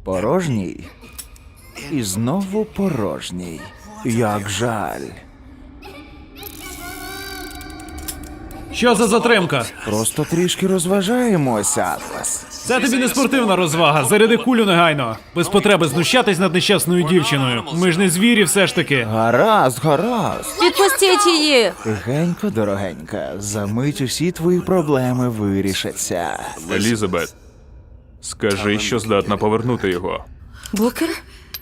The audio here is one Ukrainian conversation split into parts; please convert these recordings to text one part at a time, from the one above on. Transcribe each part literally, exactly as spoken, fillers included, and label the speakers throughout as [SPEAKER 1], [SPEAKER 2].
[SPEAKER 1] Порожній. І знову порожній. Як жаль.
[SPEAKER 2] Що за затримка?
[SPEAKER 1] Просто трішки розважаємося, Атлас.
[SPEAKER 2] Це тобі не спортивна розвага. Заряди кулю негайно. Без потреби знущатись над нещасною дівчиною. Ми ж не звірі все ж таки.
[SPEAKER 1] Гаразд, гаразд.
[SPEAKER 3] Відпустіть її!
[SPEAKER 1] Тихенько, дорогенька, за мить усі твої проблеми вирішаться.
[SPEAKER 4] Елізабет, скажи, що здатна повернути його.
[SPEAKER 3] Букер?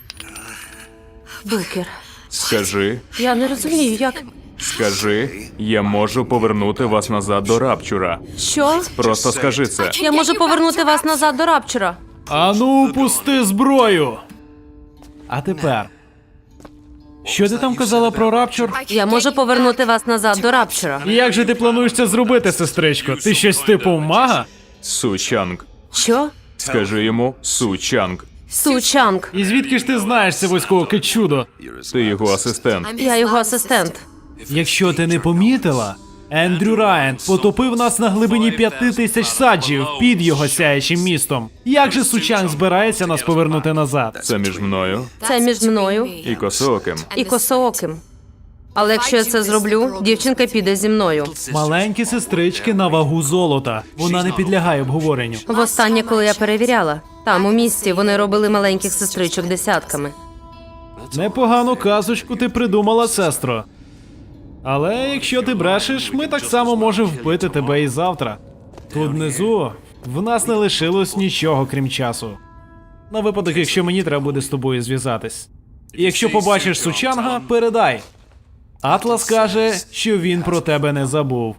[SPEAKER 3] Букер.
[SPEAKER 4] Скажи,
[SPEAKER 3] Я не розумію, як.
[SPEAKER 4] скажи, я можу повернути вас назад до Рапчура.
[SPEAKER 3] Що?
[SPEAKER 4] Просто скажи це.
[SPEAKER 3] Я можу повернути вас назад до Рапчура.
[SPEAKER 2] Ану, пусти зброю! А тепер. Що ти там казала про Рапчур?
[SPEAKER 3] Я можу повернути вас назад до Рапчура.
[SPEAKER 2] І як же ти плануєш це зробити, сестричко? Ти щось типу мага?
[SPEAKER 4] Су-Чанг.
[SPEAKER 3] Що?
[SPEAKER 4] Скажи йому Су-Чанг.
[SPEAKER 3] Су-Чанг.
[SPEAKER 2] І звідки ж ти знаєш це вузького чудо?
[SPEAKER 4] Ти його асистент.
[SPEAKER 3] Я його асистент.
[SPEAKER 2] Якщо ти не помітила, Ендрю Райан потопив нас на глибині п'яти тисяч саджів під його сяючим містом. Як же Су-Чанг збирається нас повернути назад?
[SPEAKER 4] Це між мною
[SPEAKER 3] Це між мною
[SPEAKER 4] і Косооким.
[SPEAKER 3] і Косооким. Але якщо я це зроблю, дівчинка піде зі мною.
[SPEAKER 2] Маленькі сестрички на вагу золота. Вона не підлягає обговоренню.
[SPEAKER 3] Востаннє, коли я перевіряла, там у місті вони робили маленьких сестричок десятками.
[SPEAKER 2] Непогану казочку ти придумала, сестро. Але якщо ти брешеш, ми так само можемо вбити тебе і завтра. Тут внизу в нас не лишилось нічого, крім часу. На випадок, якщо мені треба буде з тобою зв'язатись. І якщо побачиш Су-Чанга, передай. Атлас каже, що він про тебе не забув.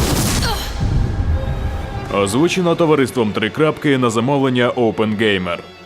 [SPEAKER 4] Озвучено товариством «Три крапки» на замовлення OpenGamer.